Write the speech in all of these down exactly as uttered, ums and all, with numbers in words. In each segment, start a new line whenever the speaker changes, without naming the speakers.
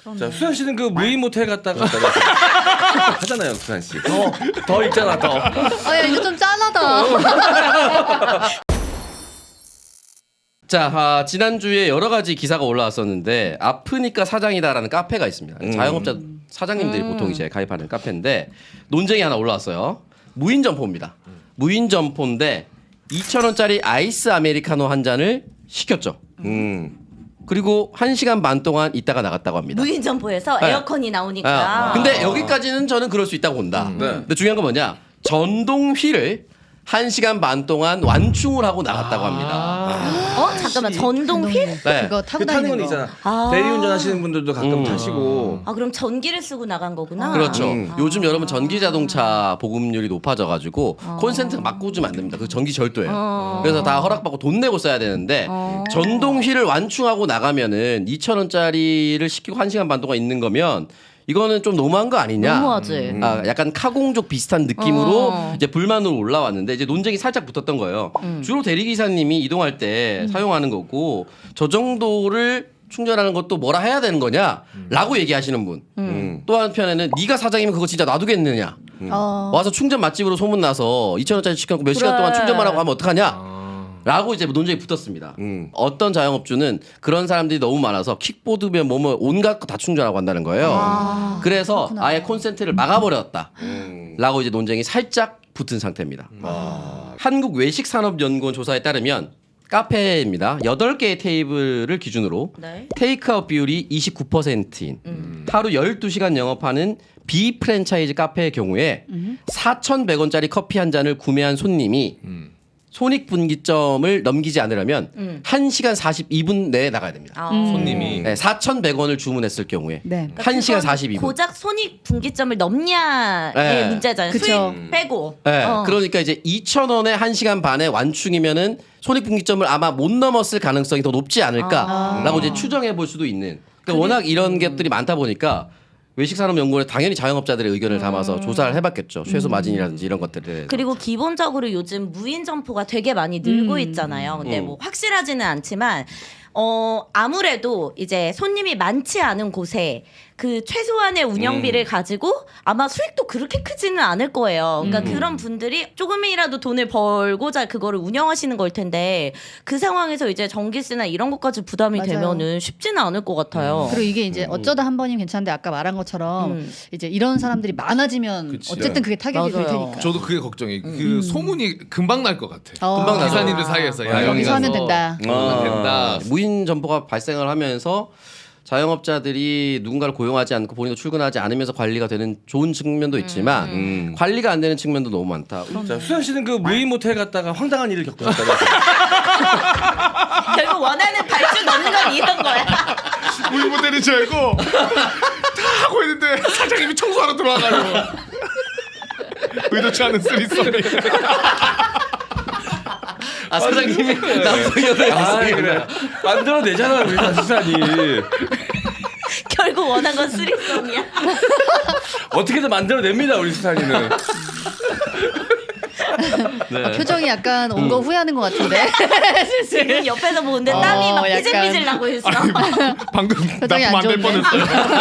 자, 수산 씨는 그 무인 모텔 갔다가 하잖아요, 수산 씨. 더, 더 있잖아, 더.
아, 야, 이거 좀 짠하다.
자, 아, 지난주에 여러 가지 기사가 올라왔었는데 아프니까 사장이다라는 카페가 있습니다.
음.
자영업자 사장님들이
음.
보통 이제 가입하는 카페인데 논쟁이 하나 올라왔어요. 무인 점포입니다. 무인 점포인데 이천 원짜리 아이스 아메리카노 한 잔을 시켰죠.
음.
그리고 한 시간 반 동안 있다가 나갔다고 합니다.
무인 점포에서
네.
에어컨이 나오니까.
아, 근데 여기까지는 저는 그럴 수 있다고 본다.
네.
근데 중요한 건 뭐냐? 전동 휠을 한 시간 반 동안 완충을 하고 나갔다고 합니다.
어 잠깐만 전동 휠?
네.
그거 타고
그 타는
다니는
건
거.
있잖아.
아.
대리운전 하시는 분들도 가끔
음.
타시고.
아 그럼 전기를 쓰고 나간 거구나.
그렇죠.
음.
요즘 여러분 전기 자동차 보급률이 높아져가지고 콘센트 막 꽂으면 안 됩니다. 그 전기 절도예요.
어.
그래서 다 허락받고 돈 내고 써야 되는데
어.
전동 휠을 완충하고 나가면은 이천 원짜리를 시키고 한 시간 반 동안 있는 거면 이거는 좀 너무한 거 아니냐?
너무하지.
음.
아, 약간 카공족 비슷한 느낌으로
어.
이제 불만으로 올라왔는데 이제 논쟁이 살짝 붙었던 거예요. 주로 대리기사님이 이동할 때 사용하는 거고 저 정도를 충전하는 것도 뭐라 해야 되는 거냐라고 얘기하시는 분.
음.
또 한편에는 네가 사장이면 그거 진짜 놔두겠느냐.
어.
와서 충전 맛집으로 소문나서 이천 원짜리 시켜놓고 몇 시간
그래.
동안 충전만 하고 하면 어떡하냐. 라고 이제 논쟁이 붙었습니다.
음.
어떤 자영업주는 그런 사람들이 너무 많아서 킥보드면 뭐뭐 온갖 거 다 충전하고 한다는 거예요.
아,
그래서
그렇구나.
아예 콘센트를 막아버렸다.
음.
라고 이제 논쟁이 살짝 붙은 상태입니다.
아.
한국외식산업연구원 조사에 따르면 카페입니다. 여덟 개의 테이블을 기준으로
네.
테이크아웃 비율이 이십구 퍼센트인 하루 열두 시간 영업하는 비프랜차이즈 카페의 경우에 사천백 원짜리 커피 한 잔을 구매한 손님이 손익분기점을 넘기지 않으려면
음.
한 시간 사십이 분 내에 나가야 됩니다.
아.
손님이.
네, 사천백 원을 주문했을 경우에
네.
한 시간
그건
사십이 분.
고작 손익 분기점을 넘냐의
네.
문제잖아요.
그쵸.
수익 빼고.
네,
어.
그러니까 이제 이천 원에 한 시간 반에 완충이면은 손익분기점을 아마 못 넘었을 가능성이 더 높지 않을까라고
아.
이제 추정해 볼 수도 있는. 그러니까 워낙 이런 것들이 많다 보니까 외식산업연구원에 당연히 자영업자들의 의견을 담아서 조사를 해봤겠죠. 최소 마진이라든지 이런 것들에 대해서.
그리고 기본적으로 요즘 무인 점포가 되게 많이 늘고
음.
있잖아요. 근데
음.
뭐 확실하지는 않지만 어 아무래도 이제 손님이 많지 않은 곳에 그 최소한의 운영비를
음.
가지고 아마 수익도 그렇게 크지는 않을 거예요. 그러니까
음.
그런 분들이 조금이라도 돈을 벌고자 그거를 운영하시는 걸 텐데 그 상황에서 이제 전기세나 이런 것까지 부담이
맞아요.
되면은 쉽지는 않을 것 같아요.
그리고 이게 이제 어쩌다 한 번이면 괜찮은데 아까 말한 것처럼
음.
이제 이런 사람들이 많아지면
그치.
어쨌든 그게 타격이 될
맞아요.
테니까.
저도 그게 걱정이. 그 소문이 금방 날 것 같아.
어.
금방 나죠.
기사님들 사이에서 야, 여기
여기서 하면
가서
된다.
하면 된다.
무인 점포가 발생을 하면서 자영업자들이 누군가를 고용하지 않고 본인도 출근하지 않으면서 관리가 되는 좋은 측면도 있지만
음.
관리가 안 되는 측면도 너무 많다.
자, 수산 씨는 그 무인 모텔 갔다가 황당한 일을 겪으셨다면서.
결국 원하는 발주 넣는 건 이런 거야.
우리 모델인 줄 알고 다 하고 있는데 사장님이 청소하러 들어와가지고 의도치 않은 쓰리썸이.
아 사장님이 남성 여자
아, 그래. 만들어내잖아, 우리 다 수산이.
결국 원한 건 쓰리썸이야.
어떻게든 만들어냅니다, 우리 수산이는.
네.
아, 표정이 약간 온 거 후회하는 것 같은데.
지금 옆에서 보는데
어,
땀이 막
약간.
삐질삐질 나고 있어.
방금
표정이
납품
안
안 될
좋은데?
뻔했어요.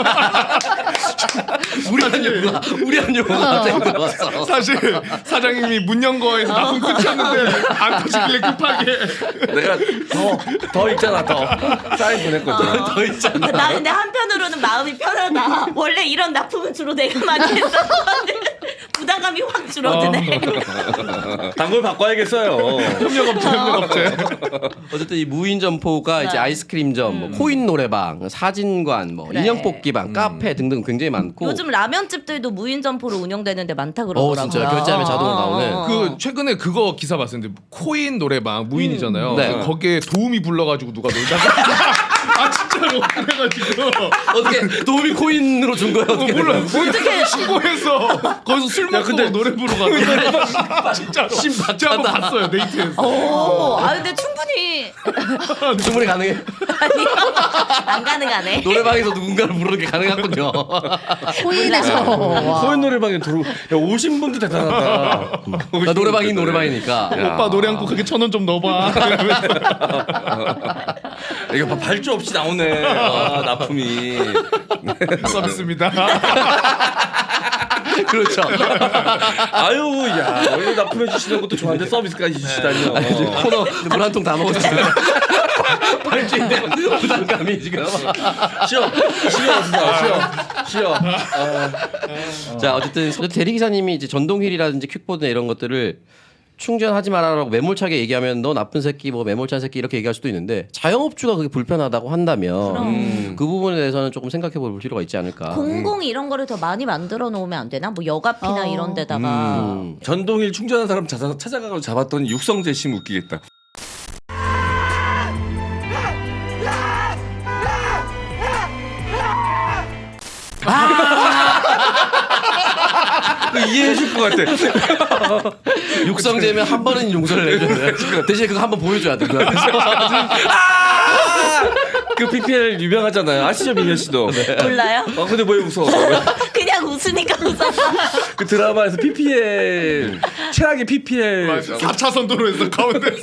우리한 용어가 우리한 용어가 갑자기 들어왔어.
사실 사장님이 문 연 거에서 납품 끝이었는데 안 터지길래 급하게.
내가 더, 더 있잖아, 더. 사인 보냈거든.
더 있잖아.
나 근데 한편으로는 마음이 편하다. 원래 이런 납품은 주로 내가 많이 했었거든. 부담감이 확 줄어드네.
단골 바꿔야겠어요.
협력업체 협력업체.
어쨌든 이 무인 점포가 이제 아이스크림점, 뭐 코인 노래방, 사진관, 뭐
그래.
인형 뽑기방, 카페 등등 굉장히 많고.
요즘 라면집들도 무인 점포로 운영되는데 많다
어
그러더라고요.
진짜 결제하면 자동으로 나오는.
어.
그 최근에 그거 기사 봤었는데 코인 노래방 무인이잖아요.
네.
거기에 도우미 불러가지고 누가 놀다가 아 진짜로 그래가지고
어떻게 도움이 코인으로 준 거야?
어,
어떻게?
몰라 어떻게 신고해서 거기서 술 먹고
근데
노래 부르고 가서 진짜로 제가 한번 봤어요 데이트에서.
오, 아 근데 충분히
충분히 가능해.
아니, 안 가능하네.
노래방에서 누군가를 부르는 게 가능하군요.
코인에서. 와.
코인 노래방에 들어. 야, 오신 분도 대단하다.
나 노래방이 노래방이니까.
오빠 노래 한 곡 그게 천 원 좀 넣어봐.
이거 봐, 발주 없이 나오네. 좋네. 아, 납품이.
서비스입니다.
그렇죠.
아유, 야, 원래 납품해 주시는 것도 좋아하는데 서비스까지 주시다니요.
코너 물 한 통 다 먹었어요. 발주인데 부담감이 지금.
쉬어, 쉬어, 쉬어, 쉬어. 아,
자 어쨌든 대리기사님이 이제 전동휠이라든지 퀵보드나 이런 것들을 충전하지 말아라고 매몰차게 얘기하면 너 나쁜 새끼 뭐 매몰찬 새끼 이렇게 얘기할 수도 있는데 자영업주가 그게 불편하다고 한다면 음, 그 부분에 대해서는 조금 생각해 볼 필요가 있지 않을까.
공공 이런 거를 더 많이 만들어 놓으면 안 되나? 뭐 여가피나
어.
이런 데다가
음.
전동일 충전한 사람 찾아, 찾아가고 잡았더니 육성재 씨 웃기겠다. 그 이해해줄 것 같아.
육성재면 한 번은 용서를 해줘야 대신 그거 한 번 보여줘야 돼. 그 앞에서.
아! 그 피피엘 유명하잖아요. 아시죠, 민현 씨도?
몰라요?
어, 근데 왜 웃어?
그냥 웃으니까 웃어.
그 드라마에서 피피엘 최악의 피피엘
사 차선 도로에서 가운데서.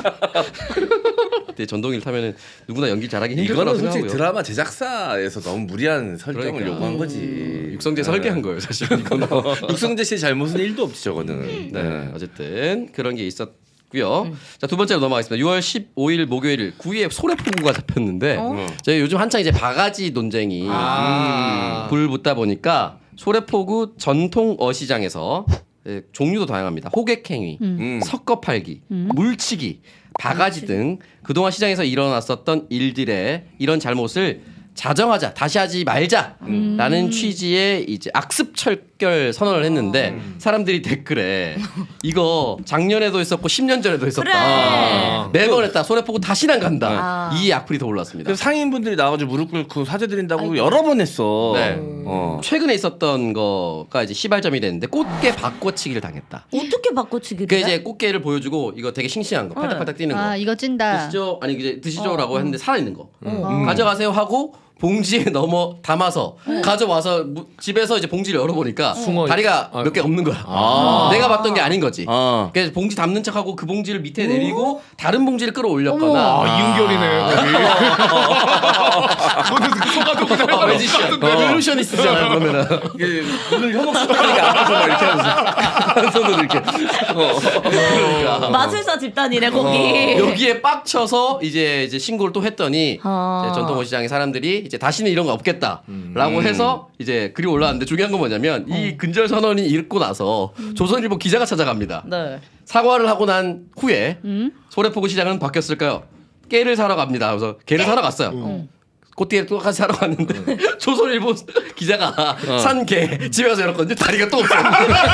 그때 전동일 타면은 누구나 연기 잘하기 힘들
이거는
거라고
솔직히
생각하고요.
드라마 제작사에서 너무 무리한 설정을
그러니까.
요구한 거지.
육성재 설계한 거예요, 사실. 이거는.
육성재 씨의 잘못은 일도 없지 저거는.
네, 어쨌든 그런 게 있었고요. 자, 두 번째로 넘어가겠습니다. 유월 십오일 목요일 구위에 소래포구가 잡혔는데 저희 요즘 한창 이제 바가지 논쟁이
아.
불 붙다 보니까 소래포구 전통 어시장에서 예, 종류도 다양합니다. 호객행위,
음.
섞어 팔기, 물치기, 바가지 등 그동안 시장에서 일어났었던 일들의 이런 잘못을 자정하자, 다시 하지 말자라는 취지의 이제 악습 철결 선언을 했는데 사람들이 댓글에 이거 작년에도 했었고 십 년 전에도 했었다.
그래.
매번 했다. 소래포구 다시는 안 간다.
아.
이 악플이 더 올랐습니다.
그래서 상인분들이 나와가지고 무릎 꿇고 사죄드린다고 여러 번 했어.
네.
어.
최근에 있었던 거가 이제 시발점이 됐는데 꽃게 바꿔치기를 당했다.
어떻게 바꿔치기를
그
해?
이제 꽃게를 보여주고 이거 되게 싱싱한 거, 팔딱팔딱 뛰는 거.
아 이거 찐다.
드시죠? 아니 이제 드시죠라고
어,
했는데 살아 있는 거.
어.
가져가세요 하고 봉지에 넣어 담아서 가져와서 무- 집에서 이제 봉지를 열어보니까
숭어
다리가
있-
몇 개 없는 거야.
아.
내가 봤던 게 아닌 거지.
어.
그래서 봉지 담는 척하고 그 봉지를 밑에 내리고 다른 봉지를 끌어올렸거나.
어머.
아, 이은결이네. 그거는 속아도 그냥
아, 매지션, 일루셔니스트잖아요. 그러면은
이게 오늘 혐오 스타일이가 앞에서 막 이렇게 하면서 한 손으로 이렇게. 어.
그러니까.
마술사 집단이래 거기.
어. 여기에 빡쳐서 이제 이제 신고를 또 했더니
아.
이제 전통어시장의 사람들이 이제 다시는 이런 거 없겠다라고
음.
해서 이제 글이 올라왔는데 중요한 건 뭐냐면 이 근절 선언이 읽고 나서 조선일보 기자가 찾아갑니다.
네.
사과를 하고 난 후에 소래포구 시장은 바뀌었을까요? 깨를 사러 갑니다. 그래서 개를 사러 갔어요. 꽃게를 똑같이 사러 갔는데 조선일보 기자가 산 개 집에 가서 열었거든요. 다리가 또 없어요.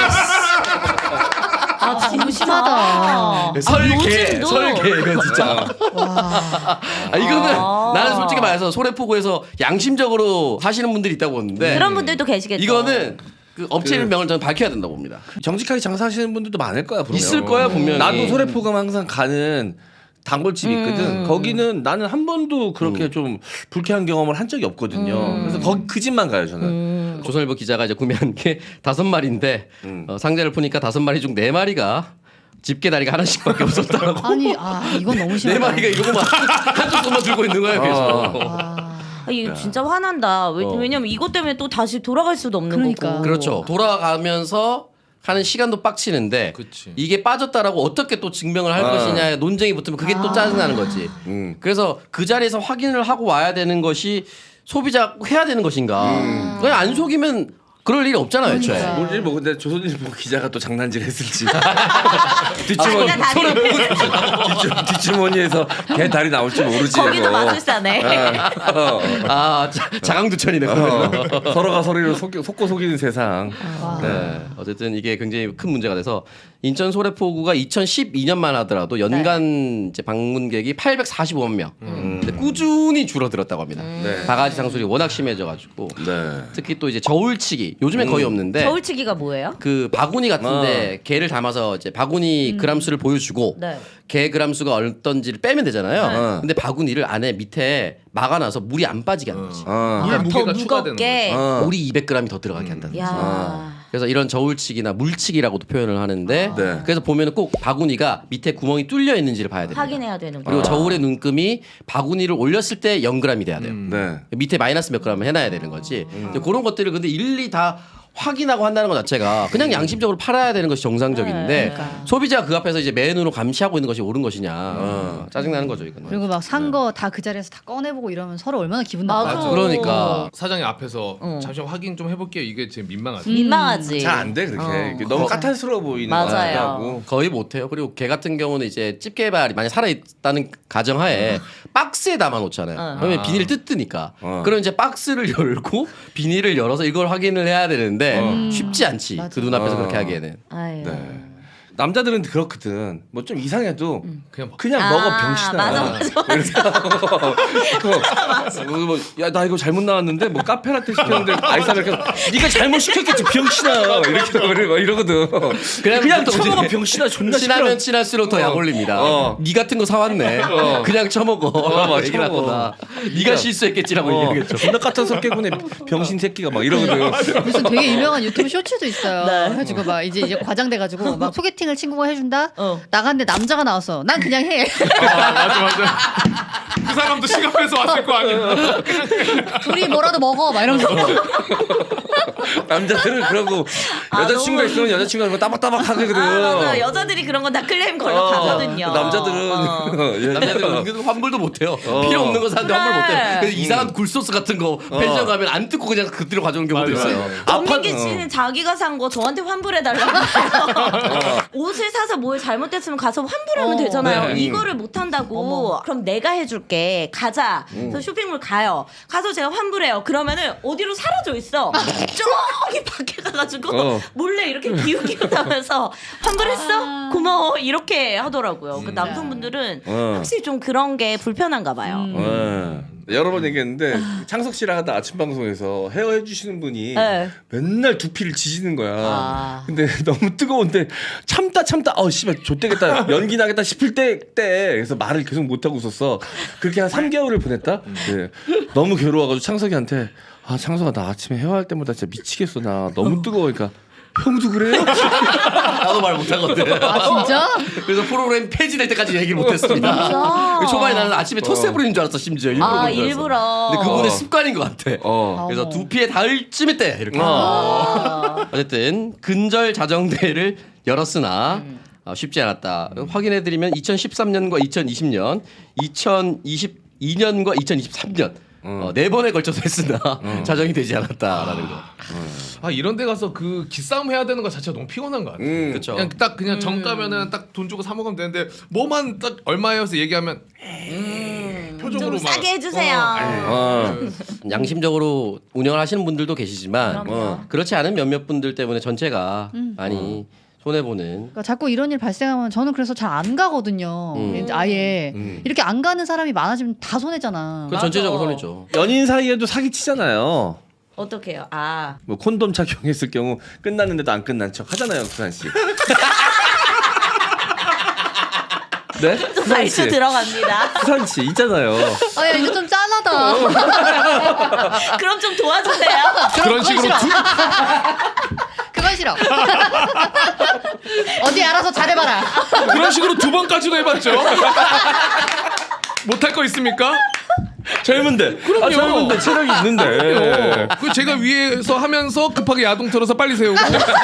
아 진짜
심하다.
설계,
요즘도?
설계면 진짜.
와.
아, 이거는
아.
나는 솔직히 말해서 소래포구에서 양심적으로 하시는 분들이 있다고 보는데
그런 분들도 계시겠죠.
이거는 그 업체 명을 저는 밝혀야 된다고 봅니다.
정직하게 장사하시는 분들도 많을 거야. 분명.
있을 거야 분명히.
나도 소래포감 항상 가는 단골집이 있거든.
음.
거기는 나는 한 번도 그렇게 좀 불쾌한 경험을 한 적이 없거든요. 그래서 거기 그 집만 가요 저는.
음.
조선일보 기자가 이제 구매한 게 다섯 마리인데
음.
어, 상자를 푸니까 다섯 마리 중 네 마리가 집게 다리가 하나씩밖에 없었다고.
아니 아 이건 너무
네
심하다.
마리가 이거만 한쪽 손만 들고 있는 거예요. 계속.
와.
아, 이거 진짜 화난다. 왜,
어.
왜냐면 이것 때문에 또 다시 돌아갈 수도 없는
그러니까.
거고.
그렇죠. 돌아가면서 하는 시간도 빡치는데
그치.
이게 빠졌다라고 어떻게 또 증명을 할
아.
것이냐 논쟁이 붙으면 그게 또 짜증나는 거지.
음.
그래서 그 자리에서 확인을 하고 와야 되는 것이 소비자 해야 되는 것인가. 그냥 안 속이면 그럴 일이 없잖아요, 애초에.
그러니까.
모르지 뭐 근데 조선일보 기자가 또 장난질 했을지. 뒷주머니
자기가 다리
뒷주, 뒷주머니에서 개 다리 나올지 모르지.
거기도
이거.
마술사네.
어.
아, 자, 자강두천이네.
어. 서로가 서로를 속, 속고 속이는 세상.
와.
네. 어쨌든 이게 굉장히 큰 문제가 돼서 인천 소래포구가 이천십이 년만 하더라도 연간 이제 방문객이 팔백사십오만 명. 근데 꾸준히 줄어들었다고 합니다.
네.
바가지 상술이 워낙 심해져가지고
네.
특히 또 이제 저울치기 요즘엔 거의 없는데
저울치기가 뭐예요?
그 바구니 같은데 개를 담아서 이제 바구니 그람수를 보여주고
네.
개 그람수가 어떤지를 빼면 되잖아요.
네.
근데 바구니를 안에 밑에 막아놔서 물이 안 빠지게 하는 거지.
어.
물
더
무게가 추가되는
무겁게.
어.
물이 이백 그램이 더 들어가게 한다는 거지.
야.
그래서 이런 저울치기나 물치기라고도 표현을 하는데
네.
그래서 보면은 꼭 바구니가 밑에 구멍이 뚫려 있는지를 봐야 됩니다.
확인해야 되는
그리고
거.
저울의 눈금이 바구니를 올렸을 때 영 그램이 돼야 돼요.
네.
밑에 마이너스 몇 그램을 해놔야 되는 거지. 근데 그런 것들을 근데 일일이 다 확인하고 한다는 것 자체가 그냥 양심적으로 팔아야 되는 것이 정상적인데
네,
그러니까.
소비자가 그 앞에서 이제 맨으로 감시하고 있는 것이 옳은 것이냐 어, 짜증나는 거죠 이거는.
그리고 막 산 거 다 그 자리에서 다 꺼내보고 이러면 서로 얼마나 기분
맞아.
나빠.
그러니까
사장님 앞에서
어.
잠시만 확인 좀 해볼게요. 이게 지금 민망하죠.
민망하지.
잘 안 돼 그렇게.
어.
이게 너무 까탈스러워 보이는 거
맞아요.
같기도 하고.
거의 못해요. 그리고 걔 같은 경우는 이제 집게발이 만약 살아있다는 가정하에 박스에 담아놓잖아요.
어.
그러면
아.
비닐 뜯으니까.
어.
그럼 이제 박스를 열고 비닐을 열어서 이걸 확인을 해야 되는데 쉽지 않지.
맞아.
그 눈앞에서
어.
그렇게 하기에는.
아유.
네. 남자들은 그렇거든. 뭐 좀 이상해도
그냥 먹-
그냥
아,
먹어 병신아.
맞아, 맞아,
뭐, 뭐, 야, 나 이거 잘못 나왔는데 뭐 카페라떼 시켰는데 아이스 아메리카노 네가 잘못 시켰겠지 병신아. 이렇게 그래 막 이러거든. 그냥, 그냥
또
처먹어
이제
병신아 존나
친하면
시끄러.
친할수록 더 약 올립니다.
어.
네 같은 거 사왔네. 그냥 처먹어.
맞아,
얘기를
처먹어.
하거나. 네가 실수했겠지라고
어,
얘기하겠죠.
존나 까탈스럽게군에 병신 새끼가 막 이러거든.
무슨 되게 유명한 유튜브 쇼츠도 있어요.
네.
해가지고 막 이제 이제 과장돼가지고 막 소개팅을 친구가 해준다.
어.
나갔는데 남자가 나왔어. 난 그냥 해.
아, 맞아 맞아. 그 사람도 시간에서 왔을 거 아니야.
둘이 뭐라도 먹어. 막 이러면서.
남자들은 그러고
아,
여자친구가
너무-
있으면 여자친구가 그거 따박따박 하거든.
아, 맞아. 여자들이 그런 건 다 클레임 걸러
어,
가거든요.
남자들은
어.
예.
남자들은 은근 환불도 못해요. 필요 없는 거 사는데 환불
그래.
못해요. 그래서 이상한 굴소스 같은 거 펜션 가면 안 뜯고 그냥 그대로 가져오는 경우도
맞아,
있어요.
권민기
아파-
씨는 자기가 산 거 저한테 환불해달라고 해요. 옷을 사서 뭘 잘못됐으면 가서 환불하면
어.
되잖아요.
네.
이거를 못한다고. 그럼 내가 해줄게. 가자. 그래서 쇼핑몰 가요. 가서 제가 환불해요. 그러면은 어디로 사라져 있어. 저기 밖에 가가지고
어.
몰래 이렇게 기웃기웃하면서 환불했어? 고마워. 이렇게 하더라고요. 그 남성분들은
어.
확실히 좀 그런 게 불편한가 봐요.
예. 여러 번 얘기했는데 창석 씨랑 하다 아침 방송에서 헤어 해주시는 분이
네.
맨날 두피를 지지는 거야.
아.
근데 너무 뜨거운데 참다 참다 어 씨발 좆되겠다 연기 나겠다 싶을 때 때 그래서 말을 계속 못 하고 있었어. 그렇게 한 삼 개월을 보냈다. 네. 너무 괴로워가지고 창석이한테 아 창석아 나 아침에 헤어할 때마다 진짜 미치겠어 나 너무 뜨거우니까. 형도 그래요?
나도 말 못하거든.
아 진짜?
그래서 프로그램 폐지될 때까지 얘기를 못했습니다.
진짜?
초반에 나는 아침에 토스 부리는 줄 알았어 심지어 일부러.
아,
그런 줄 알았어.
일부러.
근데 그분의
어.
습관인 것 같아.
어.
그래서
어머.
두피에 닿을 쯤에 때 이렇게.
아.
어쨌든 근절 자정대회를 열었으나 어, 쉽지 않았다. 확인해드리면 이천십삼 년과 이천이십 년, 이천이십이 년과 이천이십삼 년 어, 네 번에 걸쳐서 했으나 자정이 되지 않았다라는 거.
아 이런 데 가서 그 기싸움 해야 되는 거 자체가 너무 피곤한 거 같아.
음.
그렇죠.
그냥 딱 그냥 정가면은 딱 돈 주고 사 먹으면 되는데 뭐만 딱 얼마예요? 해서 얘기하면 표정으로
좀
막
싸게 해주세요.
어.
양심적으로 운영을 하시는 분들도 계시지만
그럼요.
어, 그렇지 않은 몇몇 분들 때문에 전체가 많이 손해 보는.
그러니까 자꾸 이런 일 발생하면 저는 그래서 잘 안 가거든요.
음.
이제 아예 이렇게 안 가는 사람이 많아지면 다 손해잖아.
그 전체적으로 손해죠.
연인 사이에도 사기 치잖아요.
어떡해요? 아.
뭐 콘돔 착용했을 경우 끝났는데도 안 끝난 척 하잖아요, 수산 씨. 네?
또
수산
말수
씨.
들어갑니다.
수산 씨 있잖아요.
아, 야, 이거 좀 짠하다.
그럼 좀 도와주세요.
그런 식으로 두,
그건 싫어. 어디 알아서 잘해봐라.
그런 식으로 두 번까지도 해봤죠. 못할 거 있습니까?
젊은데.
그럼요.
아, 젊은데 체력이 있는데.
그 제가 위에서 하면서 급하게 야동 틀어서 빨리 세우고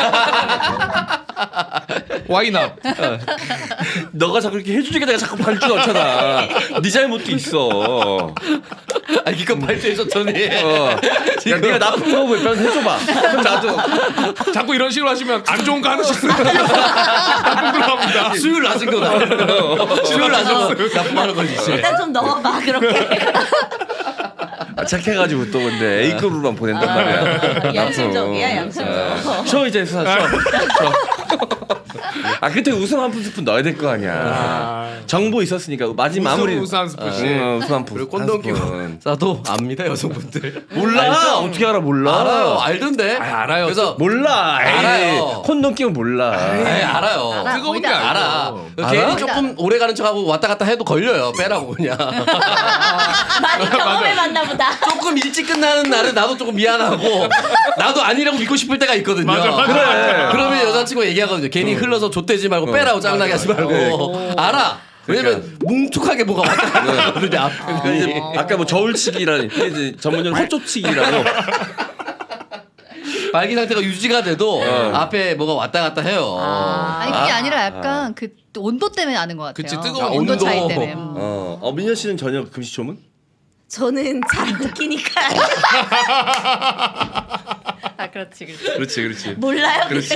와이나
너가 자꾸 이렇게 해주니까 내가 자꾸 발주 넣잖아. 네 잘못도 있어.
아 이거 발표해줬더니
어. 야, 네가 나쁜 거 몇 해줘봐. 그럼 나도.
자꾸 이런 식으로 하시면 안 좋은 거 하나씩 쓰는 나쁜 걸로 합니다.
수율 낮은 거다. 수율 낮은 거 나쁨하는 거지.
일단 좀 넣어봐 그렇게.
아, 착해가지고 또 근데 A급으로만 보낸단 말이야.
양심적이야 양심적.
어. 쉬어 이제 수산 쉬어. 쉬어. 아 그때 웃음 한 스푼 넣어야 될 거 아니야. 정보 있었으니까 마지막
웃음,
마무리.
웃음 한 스푼씩.
응, 웃음 한 푼.
그리고 콘돔
한
끼고
스푼.
싸도 압니다 여성분들.
몰라.
알죠?
어떻게 알아 몰라.
알아요. 알던데.
아, 알아요.
그래서
몰라. 에이,
알아요.
콘돔 끼면 몰라.
에이, 알아요.
알아.
뜨거운 게
거의 다
알아.
알아.
괜히
알아?
조금 오래 가는 척하고 왔다 갔다 해도 걸려요. 빼라고 그냥.
많이 경험해 봤나 보다.
조금 일찍 끝나는 날은 나도 조금 미안하고 나도 아니라고 믿고 싶을 때가 있거든요.
맞아, 맞아,
그래.
맞아.
그러면 여자친구가 얘기하거든요. 괜히 흘러서 좆대지 말고 빼라고 짱나게 하지 말고. 알아. 왜냐면 뭉툭하게 뭐가 왔다 갔다 하거든요. 앞에
그러니까 이제 아까 뭐 저울치기라는 이제 전문용 헛조치기라고.
발기 상태가 유지가 돼도
어.
앞에 뭐가 왔다 갔다 해요.
아니 그게 아니라 약간 그 온도 때문에 아는 것 같아요.
그치, 뜨거운
아, 온도
온도.
차이 때문에. 음.
어, 어 민현 씨는 전혀 금시초문?
저는 잘 안 끼니까
아 그렇지 그렇지.
그렇지, 그렇지.
몰라요.
그렇지.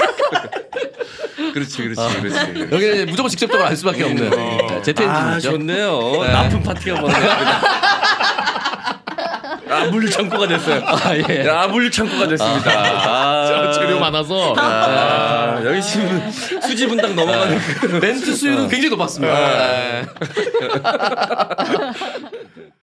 그렇지, 그렇지, 그렇지.
여기는 무조건 직접적으로 알 수밖에 없는 네, 제트
아,
엔진이죠.
좋네요. 나쁜 파티가 벌어졌습니다. 아, 물류 창고가 됐어요.
아, 예.
아, 물류 창고가 됐습니다. 아,
재료 많아서.
아, 여기 지금 수지 분당 넘어가는 그
멘트 수율은 굉장히 높았습니다. 네.